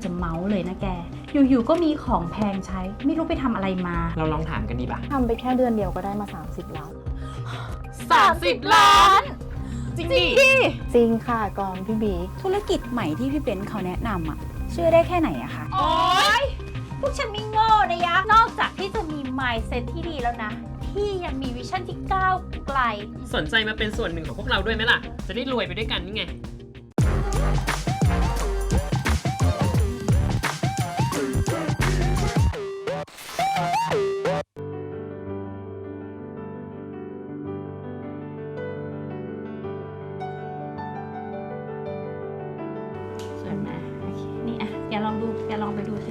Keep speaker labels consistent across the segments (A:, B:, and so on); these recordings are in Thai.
A: จะเมาส์เลยนะแกอยู่ๆก็มีของแพงใช้ไม่รู้ไปทำอะไรมา
B: เราลองถามกันดีป่ะ
C: ทำไปแค่เดือนเดียวก็ได้มา30 ล้าน
A: 30 ล้านจริงดิ
C: จริงค่ะกองพี่บิ๊ก
A: ธุรกิจใหม่ที่พี่เบนซ์เขาแนะนำอ่ะเชื่อได้แค่ไหนอะคะโอ๊ยพวกฉันไม่โง่นะยะนอกจากที่จะมี mindset ที่ดีแล้วนะที่ยังมีวิชั่นที่ก้าวไกล
B: สนใจมาเป็นส่วนหนึ่งของพวกเราด้วยไหมล่ะจะได้รวยไปด้วยกันนี่ไง
A: สวยไหมโอเคนี่อ่ะแกลองไปดูสิ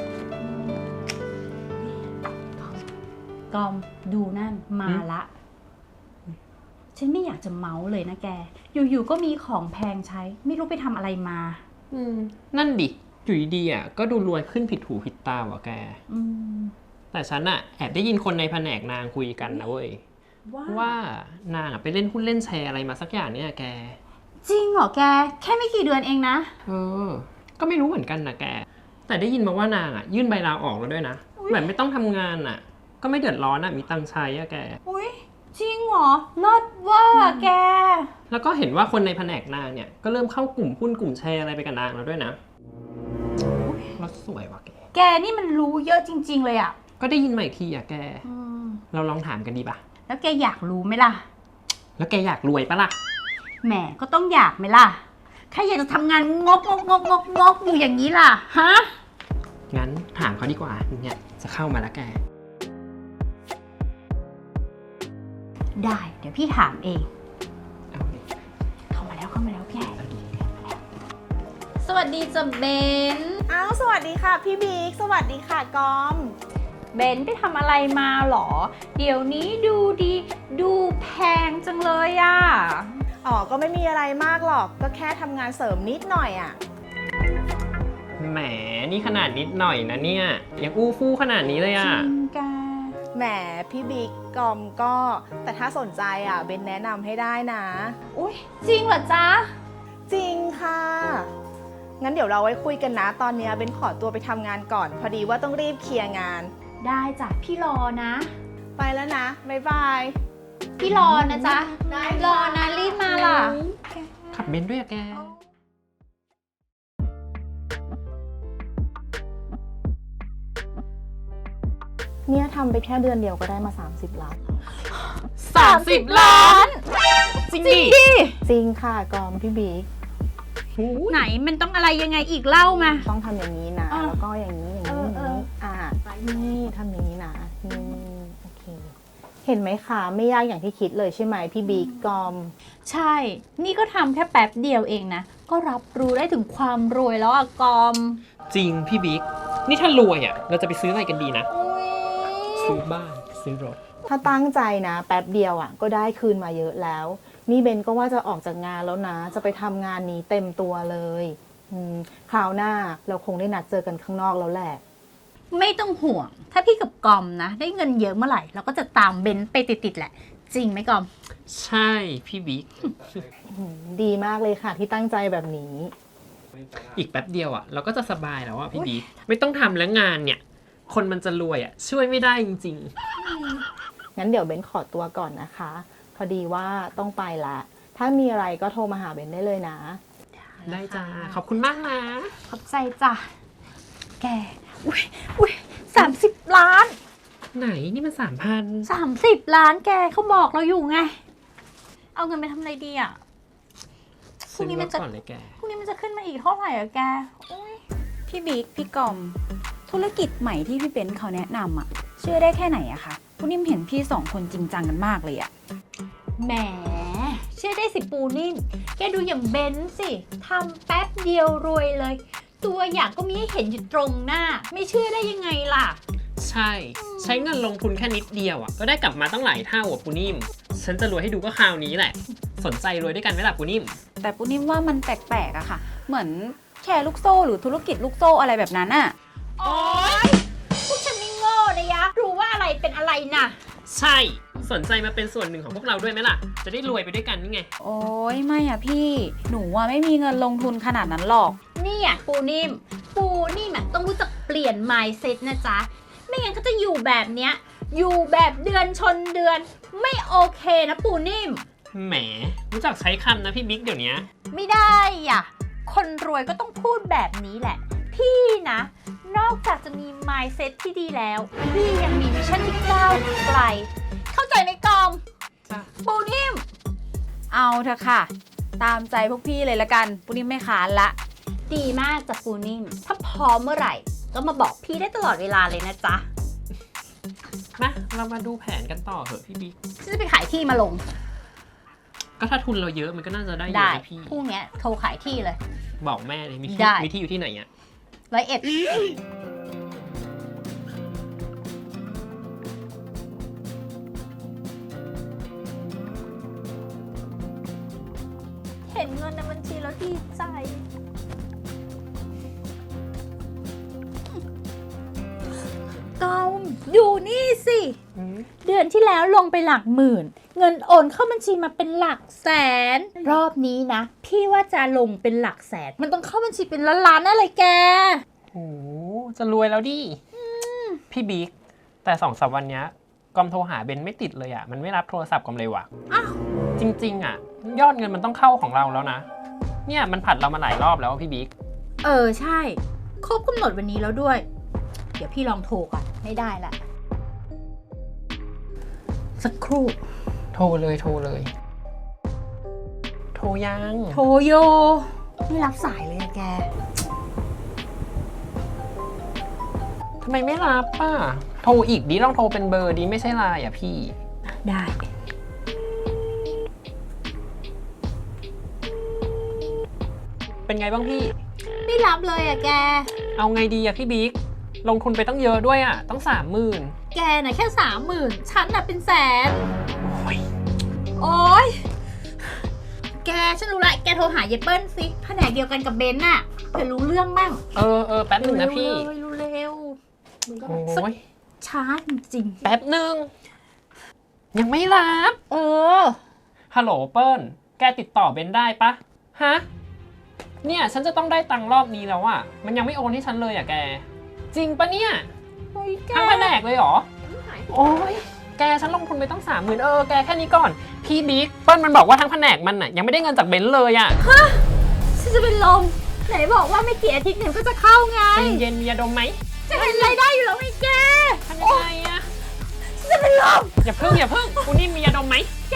A: กอมดูนั่นมาละฉันไม่อยากจะเมาส์เลยนะแกอยู่ๆก็มีของแพงใช้ไม่รู้ไปทำอะไรมา
B: นั่นดิอยู่ดีๆอ่ะก็ดูรวยขึ้นผิดหูผิดตาว่ะแกแต่ฉันอ่ะแอบได้ยินคนในแผนกนางคุยกันนะเว้ยว่านางอ่ะไปเล่นหุ้นเล่นแชร์อะไรมาสักอย่างเนี่ยแก
A: จริงเหรอแกแค่ไม่กี่เดือนเองนะ
B: ก็ไม่รู้เหมือนกันนะแกแต่ได้ยินมาว่านางอ่ะยื่นใบลาออกแล้วด้วยนะแบบไม่ต้องทำงานอ่ะก็ไม่เดือดร้อนอ่ะมีตังค์ใช้อ่ะแก
A: อุ้ยจริงเหรอเลิศเวอร์แก
B: แล้วก็เห็นว่าคนในแผนกนางเนี่ยก็เริ่มเข้ากลุ่มหุ้นกลุ่มแชร์อะไรไปกับนางแล้วด้วยนะรถสวยว่ะ
A: แกนี่มันรู้เยอะจริงๆเลยอ่ะ
B: ก็ได้ยินมาอีกทีอ่ะแกเราลองถามกันดีป่ะ
A: แล้วแกอยากรู้ไหมล่ะ
B: แล้วแกอยากรวยปะล่ะ
A: แหมก็ต้องอยากไหมล่ะใครอยากจะทำงานงกอยู่อย่างนี้ล่ะฮะ
B: งั้นถามเขาดีกว่าเนี่ยจะเข้ามาแล้วแก
A: ได้เดี๋ยวพี่ถามเองเข้ามาแล้วแกสวัสดีจ้ะเบน
C: สวัสดีค่ะพี่บิ๊กสวัสดีค่ะกอม
A: เบนไปทำอะไรมาหรอเดี๋ยวนี้ดูดีดูแพงจังเลยอ่ะ
C: ก็ไม่มีอะไรมากหรอกก็แค่ทำงานเสริมนิดหน่อยอ่ะ
B: แหมนี่ขนาดนิดหน่อยนะเนี่ยยังอู้ฟู่ขนาดนี้เลยอ่ะ
A: จริงแก
C: แหมพี่บิ๊กกอมก็แต่ถ้าสนใจอ่ะเบนแนะนำให้ได้นะ
A: อุ๊ยจริงเหรอจ๊ะ
C: จริงค่ะงั้นเดี๋ยวเราไว้คุยกันนะตอนนี้เบนขอตัวไปทำงานก่อนพอดีว่าต้องรีบเคลียร์งาน
A: ได้จ้ะพี่รอนะ
C: ไปแล้วนะบ๊ายบาย
A: พี่รอนะจ๊ะรอนะรีบมาล่ะ
B: ขับเบนด้วยอะแก
C: เนี่ยทำไปแค่เดือนเดียวก็ได้มา30 ล้าน
A: 30 ล้านจริงดิ
C: จริงค่ะกอมพี่บิ๊ก
A: ไหนมันต้องอะไรยังไงอีกเล่ามา
C: ต้องทำอย่างนี้นะแล้วก็อย่างนี้นี่ทำอย่างนี้นะนี่โอเคเห็นไหมคะไม่ยากอย่างที่คิดเลยใช่ไหมพี่บิ๊กกอม
A: ใช่นี่ก็ทำแค่แป๊บเดียวเองนะก็รับรู้ได้ถึงความรวยแล้วอะกอม
B: จริงพี่บิ๊กนี่ถ้ารวยอะเราจะไปซื้ออะไรกันดีนะซื้อบ้านซื้อรถ
C: ถ้าตั้งใจนะแป๊บเดียวอ่ะก็ได้คืนมาเยอะแล้วนี่เบนก็ว่าจะออกจากงานแล้วนะจะไปทำงานนี้เต็มตัวเลยคราวหน้าเราคงได้นัดเจอกันข้างนอกแล้วแหละ
A: ไม่ต้องห่วงถ้าพี่กับกอมนะได้เงินเยอะเมื่อไหร่เราก็จะตามเบนไปติดๆแหละจริงไหมกอม
B: ใช่พี่บิ๊ก
C: ดีมากเลยค่ะที่ตั้งใจแบบนี้
B: อีกแป๊บเดียวอ่ะเราก็จะสบายแล้วอ่ะพี่บิ๊กไม่ต้องทำแล้วงานเนี่ยคนมันจะรวยอ่ะช่วยไม่ได้จริง
C: ๆงั้นเดี๋ยวเบนขอตัวก่อนนะคะพอดีว่าต้องไปละถ้ามีอะไรก็โทรมาหาเบนได้เลยนะ
B: ได้จ้าขอบคุณมากนะ
A: ขอบใจจ้ะแกอุ้ย30 ล้าน
B: ไหนนี่มัน
A: 30 ล้านแกเขาบอกเราอยู่ไงเอาเงินไปทำอะไรดีอ่ะ
B: พรุ่งนี้มันจะ
A: ขึ้นมาอีกเท่าไหร่อ่ะแกพี่บิ๊กพี่กอมธุรกิจใหม่ที่พี่เบนซ์เขาแนะนำอ่ะเชื่อได้แค่ไหนอะคะปูนิ่มเห็นพี่2 คนจริงจังกันมากเลยอะแหมเชื่อได้สิปูนิ่มแกดูอย่างเบนซ์สิทำแป๊บเดียวรวยเลยตัวอย่างก็มีให้เห็นอยู่ตรงหน้าไม่เชื่อได้ยังไงล่ะ
B: ใช้เงินลงทุนแค่นิดเดียวอ่ะก็ได้กลับมาตั้งหลายเท่าอ่ะปูนิ่มฉันจะรวยให้ดูก็คราวนี้แหละสนใจรวยด้วยกันไหมล่ะปูนิ่ม
A: แต่ปูนิ่มว่ามันแปลกๆอะค่ะเหมือนแชร์ลูกโซ่หรือธุรกิจลูกโซ่อะไรแบบนั้นอะโอ๊ยพวกฉันไม่โง่นะยะรู้ว่าอะไรเป็นอะไรน่ะ
B: ใช่สนใจมาเป็นส่วนหนึ่งของพวกเราด้วยไหมล่ะจะได้รวยไปด้วยกันนี่ไง
A: โอ๊ยไม่อะพี่หนูว่าไม่มีเงินลงทุนขนาดนั้นหรอกนี่อะปูนิ่ม
D: ปูนี่แหมต้องรู้จักเปลี่ยน mindset นะจ๊ะ ไม่งั้นก็จะอยู่แบบเนี้ย อยู่แบบเดือนชนเดือน ไม่โอเคนะปูนิ่ม
B: แหมรู้จักใช้คำนะพี่บิ๊กเดี๋ยวนี้
D: ไม่ได้อ่ะ คนรวยก็ต้องพูดแบบนี้แหละ พี่นะ นอกจากจะมี mindset ที่ดีแล้ว พี่ยังมีวิชั่นที่ก้าวไกล เข้าใจไหมกอม
B: จ้ะ
D: ปูนิ่ม
A: เอาเถอะค่ะ ตามใจพวกพี่เลยละกันปุ้นิ่มไม่ค้านละ
D: ดีมากจากปูนิ่ม ถ้าพร้อมเมื่อไหร่ ก็มาบอกพี่ได้ตลอดเวลาเลยนะจ๊ะ
B: มาเรามาดูแผนกันต่อเถอะพี่บิ๊ก
D: ฉันจะไปขายที่มาลง
B: ก็ถ้าทุนเราเยอะมันก็น่าจะได้เย
D: ได้
B: อะนะพี่
D: พรุ่งเนี้ยโทรขายที่เลย
B: บอกแม่เลยมี
D: ได้
B: ที่อยู่ที่ไหนอ่ะ
D: 101เห็นเงินในบัญชีแล้วดีใจกอมอยู่นี่สิ เดือนที่แล้วลงไปหลักหมื่น เงินโอนเข้าบัญชีมาเป็นหลักแสน รอบนี้นะ พี่ว่าจะลงเป็นหลักแสน มันต้องเข้าบัญชีเป็นล้านๆอะไรแก
B: โอ้จะรวยแล้วดิพี่บิ๊กแต่2-3วันเนี้ยกอมโทรหาเบนไม่ติดเลยอ่ะมันไม่รับโทรศัพท์กอมเลยว่ะ
D: อ้าว
B: จริงๆอ่ะ ยอดเงินมันต้องเข้าของเราแล้วนะ เนี่ยมันผัดเรามาหลายรอบแล้วพี่บิ๊ก
D: ใช่ ครบกำหนดวันนี้แล้วด้วย เดี๋ยวพี่ลองโทรก่อนไม่ได้ละ สักครู่
B: โทรเลยโทรเลย โทรยัง
D: โทรโย ไม่รับสายเลยอะแก
B: ทำไมไม่รับป่ะโทรอีกดิลองโทรเป็นเบอร์ดิไม่ใช่ไลน์อ่ะพี่
D: ได้
B: เป็นไงบ้างพี่
D: ไม่รับเลยอะแก
B: เอาไงดีอะพี่บิ๊กลงทุนไปต้องเยอะด้วยอะต้อง30,000
D: แกน่ะแค่30,000ฉันน่ะเป็นแสน
B: โอ้ย
D: โอ๊ย แกฉันรู้ละแกโทรหาเยเปิ้ลสิแผนกเดียวกันกับเบนน่ะเผื่อรู้เรื่องบ้าง
B: แป๊บหนึ่งนะพี่
D: เร็วๆมึงก็
B: โอ้ย
D: ช้าจริง
B: แป๊บหนึ่งยังไม่รับ
D: ๆ
B: ฮัลโหลเปิ้ลแกติดต่อเบนได้ปะฮะเนี่ยฉันจะต้องได้ตังค์รอบนี้แล้วอะมันยังไม่โอนให้ฉันเลยอะแก จริงปะเนี่ย
D: โอ้ยแก
B: ทั้งแผนกเลยเหรอ โอ้ยแกฉันลงทุนไปต้อง30,000แกแค่นี้ก่อน พี่บิ๊กเปิ้ลมันบอกว่าทั้งแผนกมันอะยังไม่ได้เงินจากเบนซ์เลยอะ
D: ฉันจะเป็นลมไหนบอกว่าไม่กี่อาทิตย์เนี่ยก็จะเข้าไง
B: ใจเย็นมียาดมไหม
D: จะเห็นรายได้อยู่แล้วไงแก
B: ทำยังไงอะ
D: ฉันจะเป็นลม
B: อย่าพึ่งคุณนี่มียาดมไหม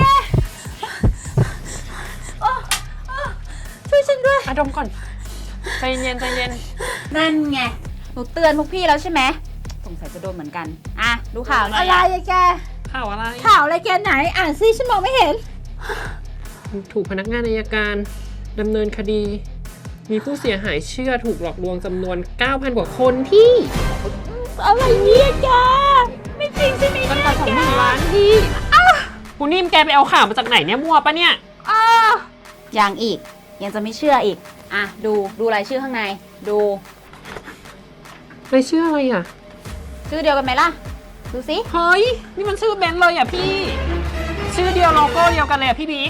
D: ช่วยฉันด้วย
B: อะดมก่อนใจเย็นใจเย็น
D: นั่นไง
A: หนูเตือนพวกพี่แล้วใช่ไหมสงสัยจะโดนเหมือนกัน อ่ะ ดูข่าวหน่
D: อะ
A: อย
D: ไร
A: อะ
D: อะแก
B: ข่าวอะไร
D: ข่าวอะไรแกไหน อ่านซิฉันมองไม่เห็น
B: ถูกพนักงานอัยการดำเนินคดี มีผู้เสียหายเชื่อถูกหลอกลวงจำนวน 9,000 กว่าคนพี่
D: อะไรเนี่ยแก ไม่จริงใช่ไหม
B: ตั้ง
D: เนี่ย
B: แต่
D: แก
B: 20,000 ล้านพี่คุณนิ่มแกไปเอาข่าวมาจากไหนเนี่ยมั่วปะเนี่ย
D: อ้า
A: ยังอีก ยังจะไม่เชื่ออีก อ่ะ ดูรายชื่อข้างใน ดู
B: ไปเชื่ออะไรอ่ะ
A: ชื่อเดียวกันไหมล่ะ ดูสิ
B: เฮ้ย นี่มันชื่อเบนซ์เลยอ่ะพี่ ชื่อเดียวโลโก้เดียวกันเลยอ่ะพี่บิ๊ก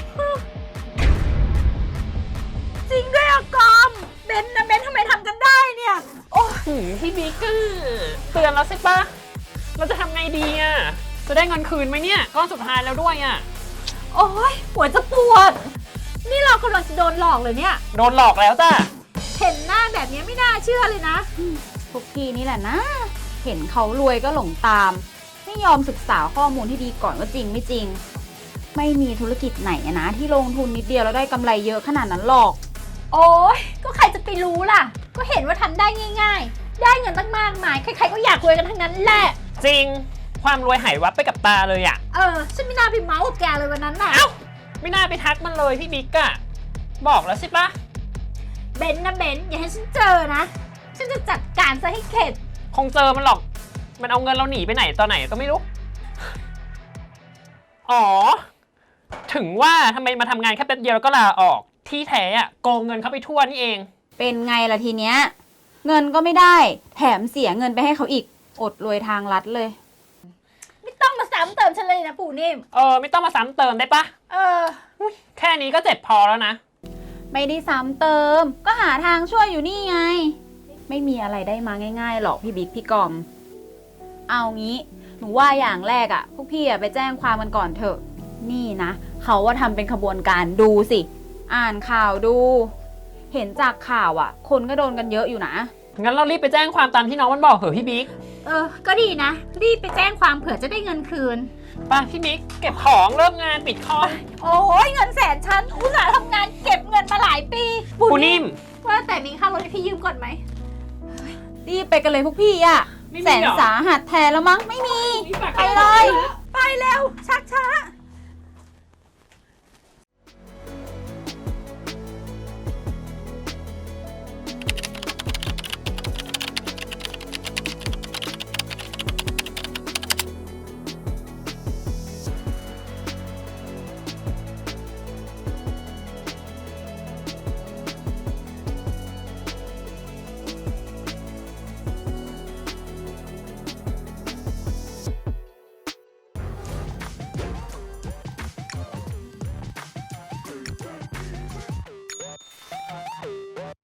D: จริงด้วยอะกอม เบนนะเบนทำไมทำกันได้เนี่ย โอ้
B: พี่บิ๊กอะเตือนแล้วใช่ปะเราจะทำไงดีอ่ะ จะได้เงินคืนไหมเนี่ยก้อนสุดท้ายแล้วด้วยอ่ะ
D: โอ้ยหัวจะปวด นี่เรากำลังจะโดนหลอกเลยเนี่ย
B: โดนหลอกแล้วจ้ะ
D: เห็นหน้าแบบนี้ไม่น่าเชื่อเลยนะ
A: พวกพี่นี่แหละนะ เห็นเขารวยก็หลงตาม ไม่ยอมศึกษาข้อมูลที่ดีก่อนว่าจริงไม่จริง ไม่มีธุรกิจไหนอะนะที่ลงทุนนิดเดียวแล้วได้กำไรเยอะขนาดนั้นหรอก
D: โอ้ยก็ใครจะไปรู้ล่ะ ก็เห็นว่าทำได้ง่าย ๆ ได้เงินตั้งมากมาย ใครๆก็อยากรวยกันทั้งนั้นแหละ
B: จริง ความรวยหายวับไปกับตาเลยอ่ะ
D: ฉันไม่น่าไปเมาส์กับแกเลยวันนั้นน่ะ
B: เอ้า ไม่น่าไปทักมันเลยพี่บิ๊กอะบอกแล้วใช่ปะ
D: เบนนะเบนอย่าให้ฉันเจอนะ ฉันจะจัดการซะให้เข็ด
B: คงเจอมันหรอก มันเอาเงินเราหนีไปไหนตอนไหนก็ไม่รู้ อ๋อ ถึงว่าทำไมมาทำงานแค่แป๊บเดียวแล้วก็ลาออก ที่แท้อะโกงเงินเขาไปทั่วนี่เอง
A: เป็นไงล่ะทีเนี้ย เงินก็ไม่ได้ แถมเสียเงินไปให้เขาอีก อดรวยทางลัดเลย
D: ไม่ต้องมาซ้ำเติมฉันเลยนะปู่นิ่ม
B: ไม่ต้องมาซ้ำเติมได้ปะแค่นี้ก็เจ็บพอแล้วนะ
A: ไม่ได้ซ้ำเติม ก็หาทางช่วยอยู่นี่ไงไม่มีอะไรได้มาง่ายๆหรอกพี่บิ๊กพี่กอม เอางี้ หนูว่าอย่างแรกอะพวกพี่อะไปแจ้งความกันก่อนเถอะ นี่นะเขาว่าทำเป็นขบวนการดูสิ อ่านข่าวดู เห็นจากข่าวอะคนก็โดนกันเยอะอยู่นะ
B: งั้นเรารีบไปแจ้งความตามที่น้องมันบอกเถอะพี่บิ๊ก
D: ก็ดีนะ รีบไปแจ้งความเผื่อจะได้เงินคืน
B: ไปพี่บิ๊กเก็บของเริ่มงานปิดคอม
D: โอ้ยเงินแสนฉันอุตส่าห์ทำงานเก็บเงินมาหลายปี
B: ปูนิ่ม
D: ว่าแต่มีค่ารถให้พี่ยืมก่อนไหม
A: รีบไปกันเลยพวกพี่อะ
B: ไม่มี
A: แสน
B: เหรอ
A: สาหัสแทนแล้วมั้งไม่มี
B: นี่ฝาก
A: ไปเลย
D: ไปเร็ว ชักช้า